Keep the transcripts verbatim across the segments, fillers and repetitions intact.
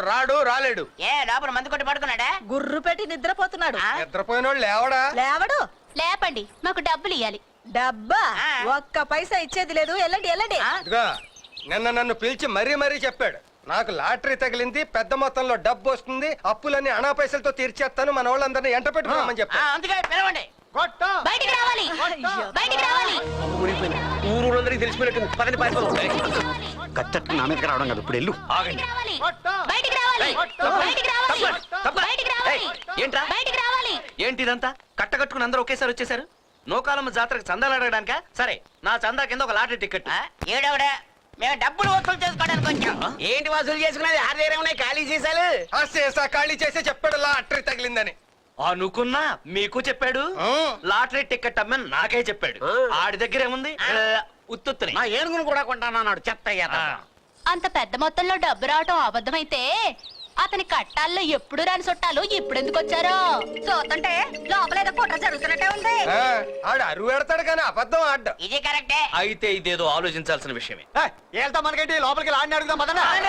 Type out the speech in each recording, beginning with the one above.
రాడు రాలేడు. ఏ లోపల మందు కొట్టి పడుకున్నాడా? గుర్రు పెట్టి నిద్రపోతున్నాడు. నిద్రపోయినోడు లేవడా? లేవడు. లేపండి, మాకు డబ్బులు ఇయ్యాలి. డబ్బా? ఒక్క పైసా ఇచ్చేది లేదు. వెళ్ళండి వెళ్ళండి. ఇదిగో నిన్న నన్ను పిలిచి మరీ మరీ చెప్పాడు, నాకు లాటరీ తగిలింది, పెద్ద మొత్తంలో డబ్బు వస్తుంది, అప్పులన్నీ అనా పైసలతో తీర్చేస్తాను, మన వాళ్ళందరినీ ఎంట పెట్టుకోమని చెప్పాను. అందుకే పిలవండి. బయటికి రావాలి, బయటికి రావాలి. ఊరందరికి తెలిసిపోయినట్టు పదని పారిపోతాం. కచ్చట్టు నా మీదకి రావడం కాదు, ఇప్పుడు వెళ్ళు. ఆగండి. బయటికి రావాలి, బయటికి రావాలి, బయటికి రావాలి. ఏంట్రా బయటికి రావాలి. ఏంటి ఇదంతా? కట్టకట్టుకుని అందరూ ఒకేసారి వచ్చేసారు. నోకాలమ్మ జాతరకు చందాలు అడగడానికా? సరే, నా చందా కింద ఒక లాటరీ టికెట్. ఏడవడా మేము డబ్బులు వసూలు చేసుకోవడానికి వచ్చాం. ఏంటి వసూలు చేసుకునేది? ఆరు దగ్గర ఉన్నాయి ఖాళీ సీసాలు. ఆ సీసా ఖాళీ చేసి చెప్పాడు లాటరీ తగిలిందని. అనుకున్నా మీకు చెప్పాడు. లాటరీ టికెట్ అమ్మని నాకే చెప్పాడు. ఆడి దగ్గర ఏముంది? ఉత్తుత్తుని. మా ఏనుగును కూడా కొంటానన్నాడు. చెత్త అంత పెద్ద మొత్తంలో డబ్బు రావటం అబద్ధమైతే అతని కట్టాల్లో ఎప్పుడు రాని చుట్టాలు ఇప్పుడు ఎందుకు వచ్చారో చూస్తుంటే లోపలేదో కుట్ర జరుగుతున్నట్టే ఉంది. ఆడు అరువు పెడతాడు కానీ అబద్ధం ఆడ్డా. ఇది కరెక్టే. అయితే ఇదేదో ఆలోచించాల్సిన విషయమే. వెళ్తాం మనకేంటి, లోపలికి లాడిని అడుగుదాం.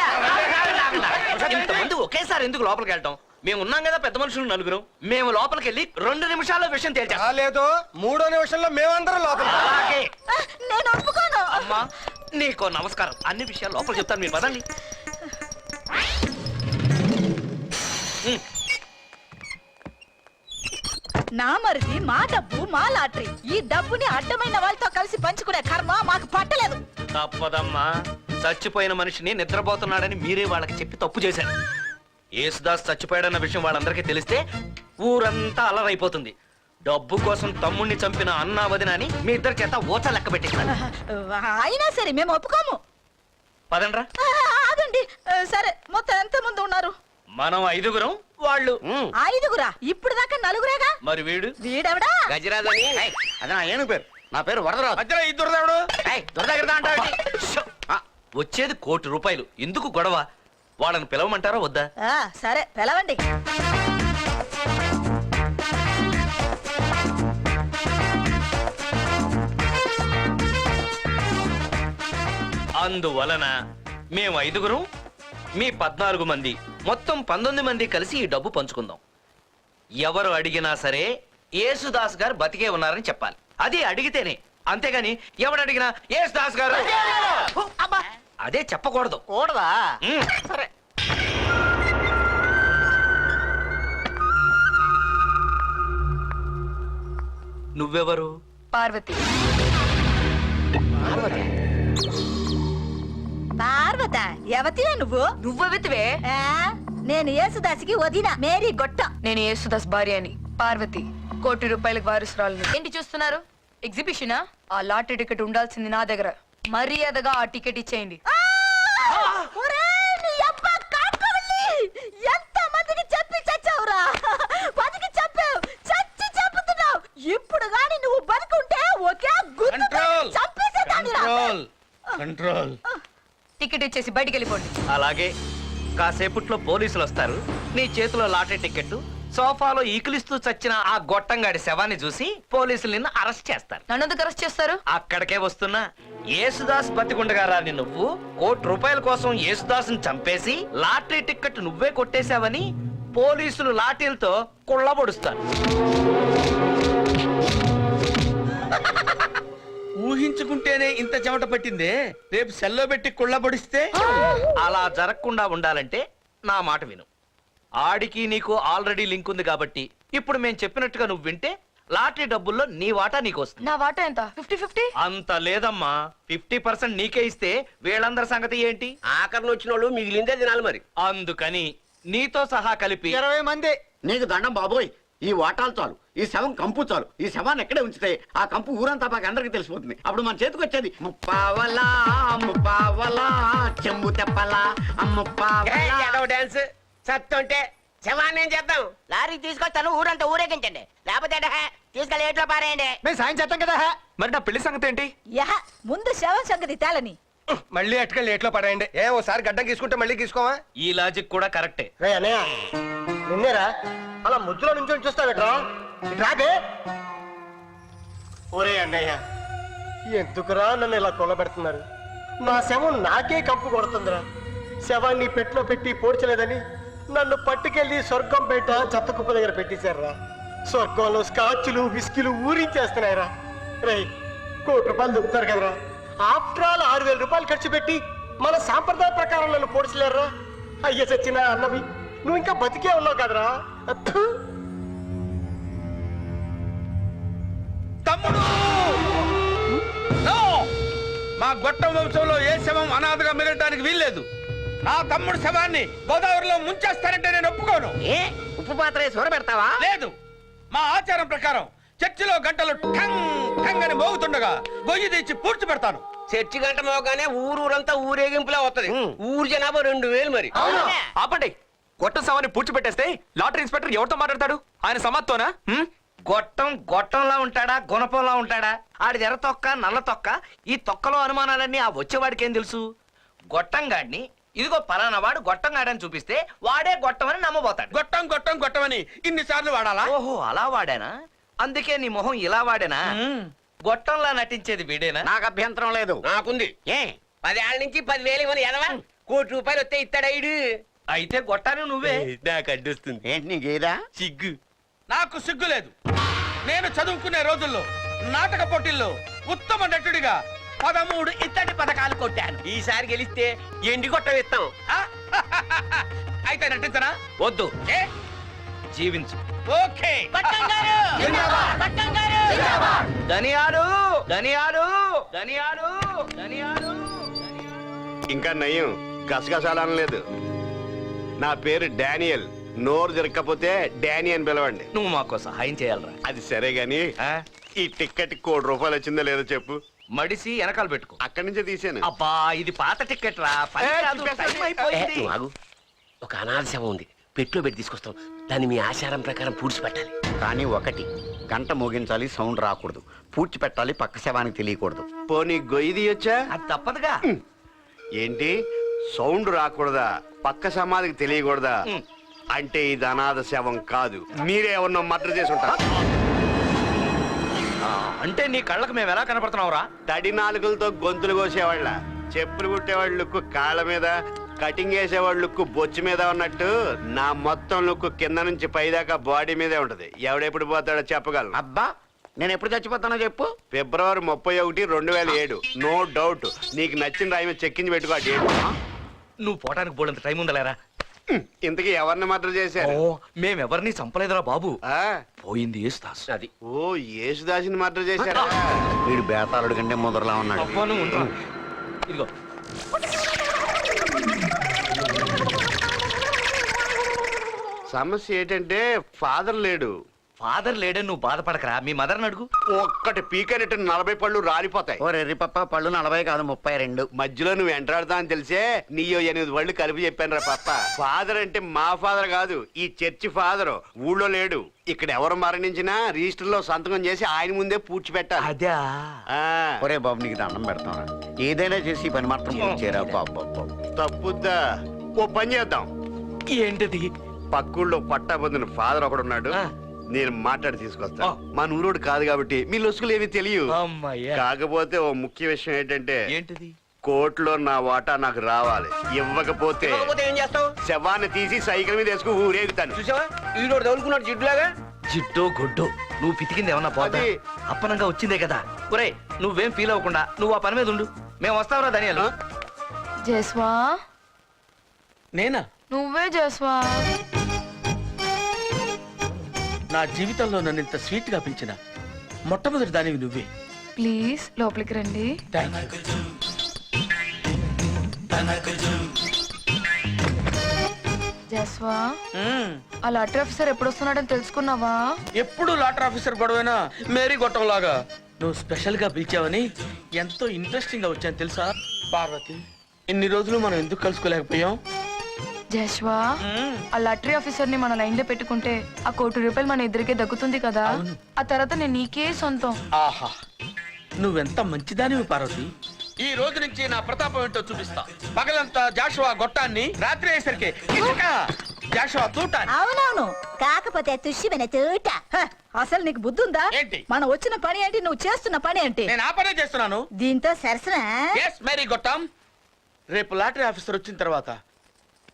ఇంతమంది ఒకేసారి ఎందుకు లోపలికి వెళ్ళటం? మేము ఉన్నాం కదా పెద్ద మనుషులు నలుగురు. మేము లోపలికి వెళ్ళి రెండు నిమిషాల్లో విషయం తేల్చాం. లేదు, మూడో నిమిషంలో మేమందరం లోపల. అలాగే. నేను ఒప్పుకోను. అమ్మా నీకో నమస్కారం. అన్ని విషయాలు లోపల చెప్తాను, మీరు పదండి. నా మరిది మా డబ్బు మా లాటరీ. ఈ డబ్బుని అడ్డమైన వాళ్ళతో కలిసి పంచుకునే కర్మ మాకు పట్టలేదు. తప్పదమ్మా. చచ్చిపోయిన మనిషిని నిద్రపోతున్నాడని మీరే వాళ్ళకి చెప్పి తప్పు చేశారు. యేసుదాస్ చచ్చిపోయాడన్న విషయం వాళ్ళందరికీ తెలిస్తే ఊరంతా అల్లరైపోతుంది. డబ్బు కోసం తమ్ముణ్ణి చంపిన అన్నా వదిన అని మీ ఇద్దరి చేత ఓచ లెక్క పెట్టిస్తాను. అయినా సరే మేము ఒప్పుకోము. పదండ్రా. ఆగండి. సరే, మొత్తం ఎంత మంది ఉన్నారు? మనం ఐదుగురం, వాళ్ళు ఐదుగురా? ఇప్పుడు దాకా నలుగురేగా. మరి వీడు వీడెవడా? గజరాజని. అది నా ఏనుగు పేరు. నా పేరు వరదరాజు. మధ్యలో ఈ దురదేవుడు దురదగిరిదా అంటాడు. వచ్చేది కోటి రూపాయలు. ఎందుకు గొడవ? వాళ్ళని పిలవమంటారా వద్దా? సరే పిలవండి. అందువలన మేము ఐదుగురం, మీ పద్నాలుగు మంది, మొత్తం పంతొమ్మిది మంది కలిసి ఈ డబ్బు పంచుకుందాం. ఎవరు అడిగినా సరే యేసుదాస్ గారు బతికే ఉన్నారని చెప్పాలి. అది అడిగితేనే, అంతేగాని ఎవడు అడిగినా యేసుదాస్ గారు అదే చెప్పకూడదు. కూడదా? సరే. నువ్వెవరు? పార్వతి. పార్వత ఎవతివే నువ్వు? నువ్వెవతివే? నేను యేసుదాసికి వదిన మేరీ గొట్ట. నేను యేసుదాస్ భార్య అని పార్వతి, కోటి రూపాయలకు వారసురాలు. ఏంటి చూస్తున్నారు? ఎగ్జిబిషనా? ఆ లాటరీ టికెట్ ఉండాల్సింది నా దగ్గర. మర్యాదగా ఆ టికెట్ ఇచ్చేయండి. ఎంత మందికి చెప్పి చచ్చావురా? బతికి చెప్పావు, చచ్చి చెప్పుతున్నావు. ఇప్పుడు గాని నువ్వు బతికుంటే ఒకే గుర్తు చంపేసేదానిరా. కంట్రోల్. టికెట్ ఇచ్చేసి బయటికి వెళ్ళిపోండి. అలాగే. కాసేపట్లో పోలీసులు వస్తారు. నీ చేతిలో లాటరీ టికెట్, సోఫాలో ఈకిలిస్తూ చచ్చిన ఆ గొట్టంగాడి శవాన్ని చూసి పోలీసులు నిన్ను అరెస్ట్ చేస్తారు. నన్ను ఎందుకు అరెస్ట్ చేస్తారు? అక్కడికే వస్తున్నా. యేసుదాస్ బతికుండగా రాని నువ్వు కోటి రూపాయల కోసం యేసుదాస్ని చంపేసి లాటరీ టికెట్ నువ్వే కొట్టేశావని పోలీసులు లాఠీలతో కుళ్ళబొడుస్తారు. ఊహించుకుంటేనే ఇంత చెమట పట్టిందే. రేపు సెల్లో పెట్టి కుళ్ళబడిస్తే అలా జరగకుండా ఉండాలంటే నా మాట విను. ఆడికి నీకు ఆల్రెడీ లింక్ ఉంది కాబట్టి ఇప్పుడు మేము చెప్పినట్టుగా నువ్వు వింటే లాటరీ డబ్బుల్లో నీ వాటా నీకు వస్తుంది. నా వాటా ఎంత? Fifty fifty? అంత లేదమ్మా. ఫిఫ్టీ పర్సెంట్ నీకే ఇస్తే వీళ్ళందరి సంగతి ఏంటి? ఆఖరిని వచ్చిన వాళ్ళు మిగిలిందే తినాలి మరి. అందుకని నీతో సహా కలిపి ఇరవై మంది. నీకు దండం బాబోయ్. ఈ వాటాలు చాలు, ఈ శవం కంపు చాలు. ఈ శవాన్ని ఎక్కడే ఉంచితే ఆ కంపు ఊరంతా మాకు అందరికి తెలిసిపోతుంది. అప్పుడు మన చేతికి వచ్చేది ముప్పావలా ముప్పావలా చెంబు తెప్పలా ముప్పావలా డాన్స్. సత్తుంటే శవాన్ని ఏం చేద్దాం? లారీ తీసుకొస్తాను, ఊరంతా ఊరేగించండి. లేకపోతే తీసుకెళ్ళి ఏట్లో పారేయండి. మేము సాయం చేస్తాం కదా. మరి నా పెళ్లి సంగతి ఏంటి? యహ, ముందు శవం సంగతి తేలని. మళ్ళీ అటుకెళ్ళి ఎట్లో పడేయండి. ఏ ఓసారి గడ్డం తీసుకుంటే మళ్ళీ తీసుకోవా? ఈ లాజిక్ కూడా కరెక్టే. నిన్నేరా అలా ముద్దులో నుంచి చూస్తావేట్రా? రాబే. ఒరే అన్నయ్య, ఎందుకురా నన్ను ఇలా కొల్లబెడుతున్నారు? నా శవం నాకే కంపు కొడుతుందిరా. శవాన్ని పెట్లో పెట్టి పోడ్చలేదని నన్ను పట్టుకెళ్లి స్వర్గం బయట చెత్తకుప్ప దగ్గర పెట్టేశారా. స్వర్గంలో స్కాచ్లు విస్కీలు ఊరించేస్తున్నాయిరా. రేయ్, కోటి రూపాయలు దొరుకుతారు కదరా. ఆఫ్టర్ ఆల్ ఆరు వేల రూపాయలు ఖర్చు పెట్టి మన సాంప్రదాయ ప్రకారం నన్ను పోడ్చలేరా. అయ్య సచ్చిన అన్నవి, నువ్వు ఇంకా బతికే ఉన్నావు కదరా. అత్తు. తమ్ముడు నో! మా గొట్టం వంశంలో ఏ శవం అనాథగా మిగలటానికి వీల్లేదు. నా తమ్ముడు శవాన్ని గోదావరిలో ముంచేస్తానంటే నేను ఒప్పుకోను. ఏ ఉప్పు పాత్ర సూర పెడతావా? లేదు, మా ఆచారం ప్రకారం చర్చిలో గంటలు ఠంగ్ ఠంగ్ అని మోగుతుండగా గొయ్యి తెచ్చి పూడ్చి పెడతాను. చర్చి గంట మోగానే ఊరూరంతా ఊరేగింపులా వస్తది. ఊరు జనాభా రెండు వేలు మరి. ఆపండి. గొట్టం సవాన్ని పూడ్చిపెట్టేస్తే లాటరీ ఇన్స్పెక్టర్ ఎవరితో మాట్లాడతాడు? ఆయన సమాత్తోనా? హ్మ్? గొట్టం గొట్టంలా ఉంటాడా గుణపంలా ఉంటాడా? ఆడిది ఎర్ర తొక్క నల్ల తొక్క. ఈ తొక్కలో అనుమానాలన్నీ ఆ వచ్చేవాడికి ఏం తెలుసు? గొట్టం గాడిని ఇదిగో పలానా వాడు గొట్టం గాడని చూపిస్తే వాడే గొట్టం అని నమ్మబోతాడు. గొట్టం గొట్టం గొట్టమని ఇన్నిసార్లు వాడాలా? ఓహో, అలా వాడానా? అందుకే నీ మొహం ఇలా వాడేనా? గొట్టంలా నటించేది వీడేనా? నాకు అభ్యంతరం లేదు. నాకుంది. ఏ పదేళ్ళ నుంచి పదివేలు ఇవ్వని ఎదవా కోటి రూపాయలు వస్తే ఇస్తాడు. అయితే గొట్టాను నువ్వే. నాకు అడ్డొస్తుంది. ఏంటి నీకేదా సిగ్గు. నాకు సిగ్గు లేదు. నేను చదువుకునే రోజుల్లో నాటక పోటీల్లో ఉత్తమ నటుడిగా పదమూడు ఇత్తడి పథకాలు కొట్టాను. ఈసారి గెలిస్తే ఎండి కొట్ట ఇస్తాం. ఆ? అయితే నటించనా? వద్దు, ఏ జీవించు. ఓకే. ధనియాలు ధనియాలు ధనియాలు ధనియాలు. ఇంకా నయం గసగసాలనలేదు. నా పేరు డానియల్. నోరు జరగకపోతే డానీ అని పిలవండి. నువ్వు మాకు సహాయం చేయాలరా. అది సరే గాని ఆ? ఈ టిక్కెట్ కోటి రూపాయలు వచ్చిందో లేదో చెప్పు. మడిసి వెనకాల పెట్టుకో. అక్కడి నుంచే తీసాను. అబ్బా, ఇది పాత టికెట్ రా. పని ఏ, కాదు, తిప్పేస్తాను. టైం అయిపోయింది. ఏ, ఆగు. ఒక అనాథ శవం ఉంది, పెట్లో పెట్టి తీసుకొస్తాం. దాన్ని మీ ఆచారం ప్రకారం పూడ్చి పెట్టాలి. కానీ ఒకటి, గంట మోగించాలి, సౌండ్ రాకూడదు. పూడ్చి పెట్టాలి, పక్క శవానికి తెలియకూడదు. పోనీ గొయ్యి తీయొచ్చా? అది తప్పదుగా. ఏంటి సౌండ్ రాకూడదా? పక్క సమాధికి తెలియకూడదా? ఉమ్. అంటే ఇది అనాథ శవం కాదు. మీరే ఎవరినో మర్డర్ చేసి ఉంటారు. ఆ, అంటే నీ కళ్ళకు మేము ఎలా కనపడుతున్నావురా? తడి నాలుగులతో గొంతులు కోసేవాళ్ళ, చెప్పులు కుట్టేవాళ్ళ లుక్కు కాళ్ళ మీద, కటింగ్ వేసేవాళ్ళ లుక్కు బొచ్చు మీద ఉన్నట్టు నా మొత్తం లుక్కు కింద నుంచి పైదాకా బాడీ మీదే ఉంటది. ఎవడెప్పుడు పోతాడో చెప్పగలను. అబ్బా, నేను ఎప్పుడు చచ్చిపోతానో చెప్పు. ఫిబ్రవరి ముప్పై ఒకటి రెండు వేల ఏడు. No doubt. నీకు నచ్చిన రాయి మీద చెక్కించి పెట్టుకో ఆ డేట్. నువ్వు పోవడానికి బోడంత టైం ఉందలేరా? ఇంతకీ ఎవరిని మర్డర్ చేశారు? ఓ, మేమెవరిని చంపలేదురా బాబు. ఆ? పోయింది యేసుదాస్. అది ఓ, యేసుదాసిని మర్డర్ చేశారా? వీడు బేతాళుడి కంటే మొదలులా ఉన్నాడు. అవ్వను ఉండరా. ఇదిగో సమస్య ఏంటంటే ఫాదర్ లేడు. ఫాదర్ లేడని నువ్వు బాధపడకరా. మీ మదర్ని అడుగు. ఒక్కటి పీకనట్టు నలభై పళ్ళు రాలిపోతాయి. ఓ రెర్రిపప్ప, పళ్ళు నలభై కాదు ముప్పై రెండు. మధ్యలో నువ్వు ఎంటాడుతా అని తెలిసే నీయో ఎనిమిది పళ్ళు కలిపి చెప్పాను రా పప్ప. ఫాదర్ అంటే మా ఫాదర్ కాదు, ఈ చర్చి ఫాదర్. ఊళ్ళో లేడు. ఇక్కడ ఎవరు మరణించినా రిజిస్టర్ లో సంతకం చేసి ఆయన ముందే పూడ్చిపెట్టాలి. అదే. ఆ, ఒరే బాబు, నీకు దండం పెడతాను. ఏదైనా చేసి ఈ పని మాత్రం చేరా బాబు. బాబు తప్పుద్దా? ఓ పని చేద్దాం. ఏంటిది? పక్కూళ్ళో పట్టా పొందిన ఫాదర్ ఒకడున్నాడు. ఆ. నేను మాట్లాడి తీసుకొస్తా. ఆ. మా నూరోడు కాదు కాబట్టి మీ లొసుకులు ఏమి తెలియవు. అమ్మయ్యా. కాకపోతే ఓ ముఖ్య విషయం ఏంటంటే ఏంటిది? కోర్టులో నా వాటా నాకు రావాలి. ఇవ్వకపోతే ఇవ్వకపోతే ఏం చేస్తావు? శవాన్ని తీసి సైకిల్ మీద వేసుకు ఊరేగుతాను. చూసావా ఈరోడు తగులుకున్నాడు జిడ్డులాగా. జిడ్డో గొడ్డో నువ్వు పితికింది ఏమన్నా పోతా? అది- అప్పనంగా వచ్చిందే కదా. ఒరే, నువ్వేం ఫీల్ అవ్వకుండా నువ్వు ఆ పని మీద ఉండు. మేము వస్తావురా ధనియాలు. జస్వా, నేనా? నువ్వే జస్వా. నా జీవితంలో నన్ను ఇంత స్వీట్ గా పెంచిన మొట్టమొదటి దానివి నువ్వే. ప్లీజ్ లోపలికి రండి. Thank you. జస్వా, మ్మ్. ఆ లాటరీ ఆఫీసర్ ఎప్పుడు వస్తున్నాడని తెలుసుకున్నావా? ఎప్పుడు లాటర్ ఆఫీసర్ గొడవైనా మేరీ గొట్టంలాగా నువ్వు స్పెషల్ గా పిలిచావని ఎంతో ఇంట్రెస్టింగ్ గా వచ్చాను తెలుసా? పార్వతి, ఇన్ని రోజులు మనం ఎందుకు కలుసుకోలేకపోయాం? జస్వా, ఆ లాటరీ ఆఫీసర్ ని మన లైన్ లో పెట్టుకుంటే ఆ కోటి రూపాయలు మన ఇద్దరికే దక్కుతుంది కదా. ఆ తర్వాత నేను నీకే సొంతం. ఆహా, నువ్వెంత మంచిదానివి పార్వతి. ఈ రోజు నుంచి నా ప్రతాపం ఏంటో చూపిస్తా. పగలంతా జాషువా గొట్టాన్ని, రాత్రి అయ్యేసరికి ఇసుక జాషువా తూటాన్ని. అవునవును, కాకపోతే తుష్యమైన తూట. హ, అసలు నీకు బుద్ధి ఉందా? ఏంటి? మనం వచ్చిన పని ఏంటి, నువ్వు చేస్తున్న పని ఏంటి? నేను ఆ పనే చేస్తున్నాను. దీంతో సరసన ఎస్ మేరీ గొట్టం. రేపు లాటరీ ఆఫీసర్ వచ్చిన తర్వాత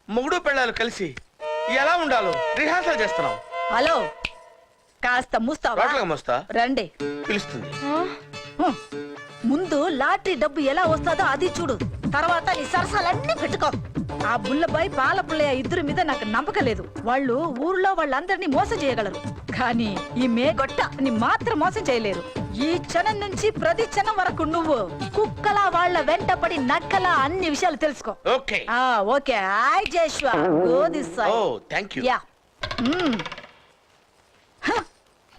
మొగుడు పెళ్ళాలు కలిసి ఎలా ఉండాలో రిహార్సల్ చేస్తున్నాం. హలో కాస్త మూస్తావా రోట్లకు మోస్తా రండి. పిలుస్తుంది. హ్మ్. ముందు లాటరీ డబ్బు ఎలా వస్తుందో అది చూడు, తర్వాత నీ సరసాలన్నీ పెట్టుకో. ఆ బుల్లబాయ్ పాల పుల్లయ్య ఇద్దరి మీద నాకు నమ్మకం లేదు. వాళ్ళు ఊర్లో వాళ్ళందరినీ మోసం చేయగలరు, కానీ ఈ మేగొట్ట ని మాత్రం మోసం చేయలేరు. ఈ క్షణం నుంచి ప్రతి క్షణం వరకు నువ్వు కుక్కలా వాళ్ళ వెంటపడి నక్కలా అన్ని విషయాలు తెలుసుకో. ఓకే. ఆ okay. Hi Joshua, go this side. Oh thank you. Yeah. Hmm. హ.